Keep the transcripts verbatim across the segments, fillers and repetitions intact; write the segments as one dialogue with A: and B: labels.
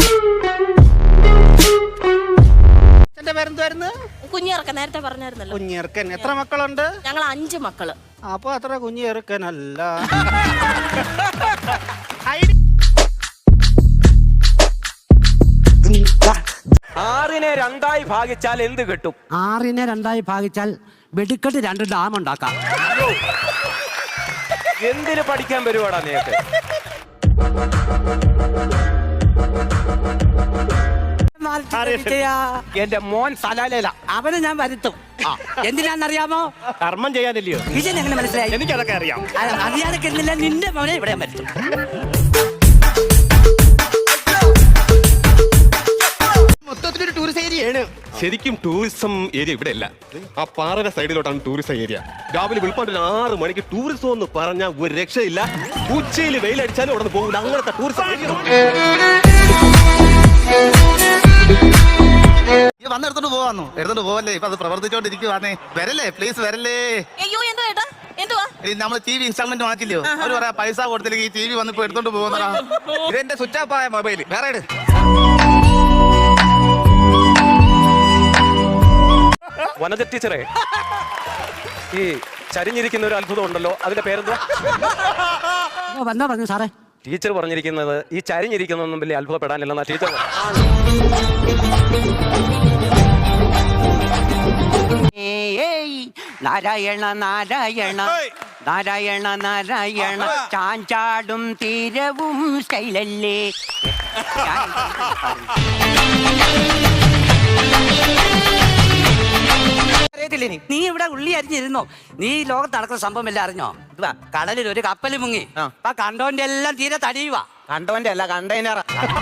A: കുഞ്ഞിറക്കൻ നേരത്തെ പറഞ്ഞായിരുന്നല്ലോ.
B: കുഞ്ഞിറക്കൻ എത്ര മക്കളുണ്ട്?
A: ഞങ്ങൾ അഞ്ച് മക്കള്.
B: അപ്പൊ അത്ര കുഞ്ഞിറക്കനല്ല.
C: ആറിനെ രണ്ടായി ഭാഗിച്ചാൽ എന്ത് കിട്ടും?
D: ആറിനെ രണ്ടായി ഭാഗിച്ചാൽ വെടിക്കെട്ട് രണ്ട് ഡാം ഉണ്ടാക്കാം.
C: എന്തിനു പഠിക്കാൻ വരുവാടാ നീക്ക്? എന്റെ മോൻ സലാലയില,
D: അവനെ ഞാൻ വരുത്തും. എന്തിനാന്നറിയാമോ?
C: കർമ്മം ചെയ്യാനില്ലയോ?
D: എങ്ങനെ മനസ്സിലായി?
C: എനിക്കതൊക്കെ അറിയാം.
D: അറിയാതെ കിട്ടുന്നില്ല, നിന്റെ മോനെ ഇവിടെ വരുത്തും.
B: മൊത്തത്തിലൊരു ടൂറിസ്റ്റ് ഏരിയയാണ്.
E: ശരിക്കും ടൂറിസം ഏരിയ ഇവിടെ അല്ല, ആ പാറയുടെ സൈഡിലോട്ടാണ് ടൂറിസം ഏരിയ. രാവിലെ വെളുപ്പാട്ടിൽ ആറ് മണിക്ക് ടൂറിസം എന്ന് പറഞ്ഞാൽ ഒരു രക്ഷയില്ല. ഉച്ചയിൽ വെയിലടിച്ചാലും അവിടെ പോകില്ല. അങ്ങനത്തെ ടൂറിസം ഏരിയ.
B: വന്നെടുത്തോണ്ട് പോവാന്നോ? എടുത്തോണ്ട് പോവല്ലേ? ഇപ്പൊ അത് പ്രവർത്തിച്ചോണ്ടിരിക്കുവാന്നേ. വരല്ലേ, പ്ലീസ് വരല്ലേ.
A: അയ്യോ എന്താ ഏട്ടാ, എന്തുവാ?
B: നമ്മള് ടി വി ഇൻസ്റ്റാൾമെന്റ് മാറ്റില്ലയോ? അവര് പറയാ പൈസ കൊടുത്തില്ലെങ്കിൽ ഈ ടി വി വന്നിപ്പോ എടുത്തോണ്ട് പോകുന്നതാ. ഇതെന്റെ സ്വിച്ച് ഓഫ് ആയ മൊബൈൽ. വേറെ ഇട്.
C: വനജ ടീച്ചറെ, ഈ ചരിഞ്ഞിരിക്കുന്ന ഒരു അത്ഭുതം ഉണ്ടല്ലോ, അതിന്റെ പേരെന്തുവാ?
D: വന്നാ പറഞ്ഞു സാറേ.
C: ടീച്ചർ പറഞ്ഞിരിക്കുന്നത് ഈ ചരിഞ്ഞിരിക്കുന്നൊന്നും വലിയ അത്ഭുതപ്പെടാനില്ലെന്നാ ടീച്ചർ.
D: നാരായണ നാരായണ നാരായണ നാരായണ ചാഞ്ചാടും തീരവും സ്റ്റൈലല്ലേ. നീ ഇവിടെ ഉള്ളി അരിഞ്ഞിരുന്നോ? നീ ലോകത്ത് നടക്കുന്ന സംഭവം എല്ലാം അറിഞ്ഞോ? കടലിൽ ഒരു കപ്പൽ മുങ്ങി, ആ കണ്ടോന്റെ എല്ലാം തീരെ തടിയുവാ.
C: കണ്ടോന്റെ അല്ല, കണ്ടെയ്നർ.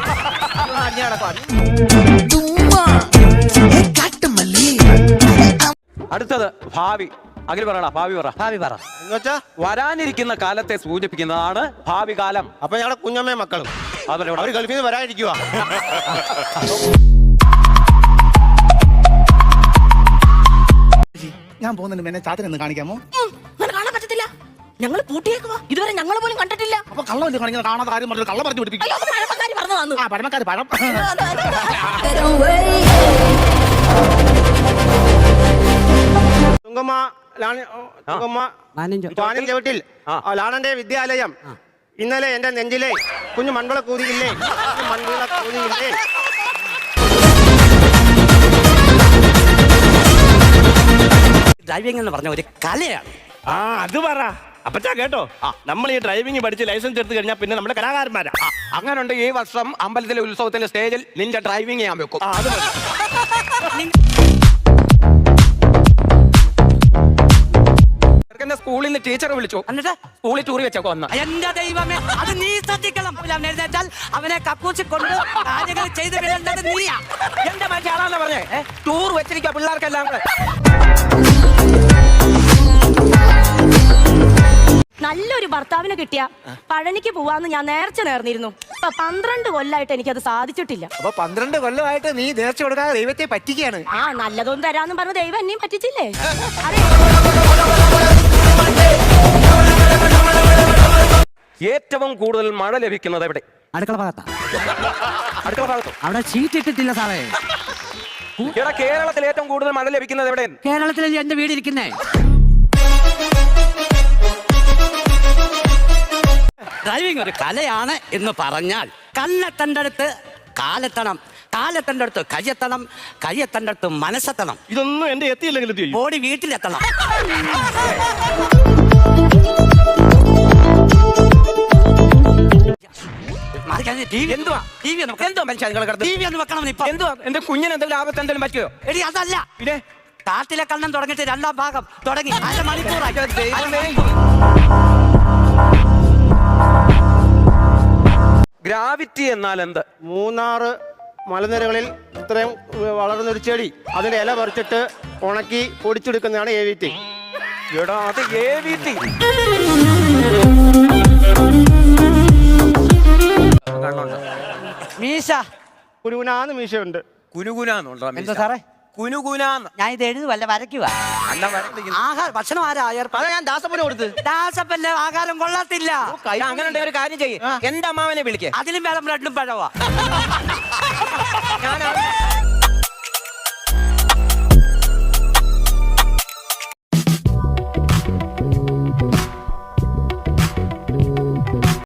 C: അടുത്തത് ഭാവി. അഖിൽ പറയണ ഭാവി പറ.
D: ഭാവി പറ.
C: വരാനിരിക്കുന്ന കാലത്തെ സൂചിപ്പിക്കുന്നതാണ് ഭാവി കാലം.
B: അപ്പൊ ഞങ്ങളുടെ കുഞ്ഞമ്മയും മക്കളും അവർ ഗൾഫിൽ നിന്ന് വരാനിരിക്കുക. ഞാൻ പോകുന്നുണ്ട്, എന്നെ ചാത്തനെന്ന് കാണിക്കാമോ?
A: കാണാൻ പറ്റത്തില്ല, ഞങ്ങൾ പൂട്ടിയേക്കുവാ. ഇതുവരെ ഞങ്ങൾ പോലും കണ്ടിട്ടില്ല.
B: അപ്പൊ കള്ളം കാണിക്കുന്നത് കാണാത്ത കാര്യം പറഞ്ഞു കള്ളം പറഞ്ഞു പിടിപ്പിക്കും. ആ പഴമക്കാര് പഴം. തുങ്കമ്മ ചവിട്ടിൽ ലാണന്റെ വിദ്യാലയം. ഇന്നലെ എന്റെ നെഞ്ചിലെ കുഞ്ഞു മൺവിള കൂതിയില്ലേ, മൺവിള കൂതിയില്ലേ.
D: ഡ്രൈവിംഗ് എന്ന് പറഞ്ഞ ഒരു കലയാണ്.
F: ആ അത് പറ അപ്പച്ചാ കേട്ടോ. നമ്മൾ ഈ ഡ്രൈവിംഗ് പഠിച്ച് ലൈസൻസ് എടുത്തു കഴിഞ്ഞാൽ പിന്നെ നമ്മുടെ കലാകാരന്മാരാ.
C: അങ്ങനുണ്ട്. ഈ വർഷം അമ്പലത്തിലെ ഉത്സവത്തിന്റെ സ്റ്റേജിൽ നിന്റെ ഡ്രൈവിംഗ് ഞാൻ വെക്കും.
F: അത്
C: സ്കൂളിൽ നിന്ന് ടീച്ചറെ വിളിച്ചു, എന്നിട്ട് സ്കൂളിൽ ടൂറി വെച്ചൊക്കെ വന്ന.
D: എന്റെ ദൈവമേ, അത് നീ ശ്രദ്ധിക്കണം. എഴുന്നേറ്റാൽ അവനെ കക്കൂച്ചി കൊണ്ട് കാര്യങ്ങൾ ചെയ്ത് വിടേണ്ടത് നീയാ.
C: എന്റെ മറ്റാളാന്ന് പറഞ്ഞേ, ടൂർ വെച്ചിരിക്കുക പിള്ളേർക്കെല്ലാം കൂടെ.
A: നല്ലൊരു ഭർത്താവിനെ കിട്ടിയ പഴനിക്ക് പോവാന്ന് ഞാൻ നേർച്ച നേർന്നിരുന്നു. ഇപ്പൊ പന്ത്രണ്ട് കൊല്ലായിട്ട് എനിക്കത് സാധിച്ചിട്ടില്ല.
B: അപ്പൊ പന്ത്രണ്ട് കൊല്ലമായിട്ട് നീ നേർച്ച കൊടുക്കാതെ ദൈവത്തെ പറ്റിക്കുകയാണ്.
A: ആ നല്ലതൊന്നും തരാന്ന് പറഞ്ഞ ദൈവം എന്നെയും പറ്റിച്ചില്ലേ?
C: ഏറ്റവും കൂടുതൽ മഴ ലഭിക്കുന്നത് എവിടെ?
D: അടുക്കള ഭാഗത്താ.
C: അടുക്കള ഭാഗത്തോ?
D: അവിടെ ഷീറ്റ് ഇട്ടിട്ടില്ല സാറേ.
C: ഇവിടെ കേരളത്തിൽ ഏറ്റവും കൂടുതൽ മഴ ലഭിക്കുന്നത് എവിടെ?
D: കേരളത്തിലല്ലേ എന്റെ വീട് ഇരിക്കുന്നേ. ഡ്രൈവിംഗ് ഒരു കലയാണ് എന്ന് പറഞ്ഞാൽ കല്ലെത്തൻ്റെ അടുത്ത് കാലെത്തണം, കാലെത്തൻ്റെ അടുത്ത് കയ്യെത്തണം, കയ്യെത്തൻ്റെ അടുത്ത് മനസ്സെത്തണം.
F: ഇതൊന്നും എന്റെ എത്തിയില്ലെങ്കിൽ
D: ബോഡി വീട്ടിലെത്തണം.
C: എന്തുവാ ടി വി എന്തോ മനുഷ്യ
D: ടി വി ഒന്ന് വെക്കണം. ഇപ്പൊ
C: എന്തുവാ എന്റെ കുഞ്ഞിന് എന്തെങ്കിലും ആപത്ത് എന്തെങ്കിലും പറ്റുമോ?
D: എടി അതല്ല,
C: പിന്നെ
D: കാട്ടിലെ കണ്ണൻ തുടങ്ങിയിട്ട് രണ്ടാം ഭാഗം തുടങ്ങി അര മണിക്കൂറായി.
C: ഗ്രാവിറ്റി എന്നാൽ എന്ത്?
B: മൂന്നാറ് മലനിരകളിൽ ഇത്രയും വളർന്നൊരു ചെടി, അതിന്റെ ഇല പറിച്ചിട്ട് ഉണക്കി പൊടിച്ചെടുക്കുന്നതാണ് എ വി ടി.
C: എടാ അത് എ വി ടി.
D: മീശ
B: കുനുകുനാന്ന് മീശയുണ്ട്.
C: കുനുകുനാന്നുണ്ടോ?
D: എന്താ സാറേ?
C: കുനുകുനാന്ന്.
D: ഞാൻ ഇത് എഴുതുവല്ല, വരയ്ക്കുവാ. ആഹാരം ഭക്ഷണം ആരാ
B: അതാ ഞാൻ ദാസപ്പന് കൊടുത്ത്.
D: ദാസപ്പല്ല, ആഹാരം കൊള്ളത്തില്ല.
C: അങ്ങനെ ഒരു കാര്യം ചെയ്യും, എന്റെ അമ്മാവനെ വിളിക്കേ.
D: അതിലും വേണം ബ്ലഡും പഴവാ.
B: ഞാൻ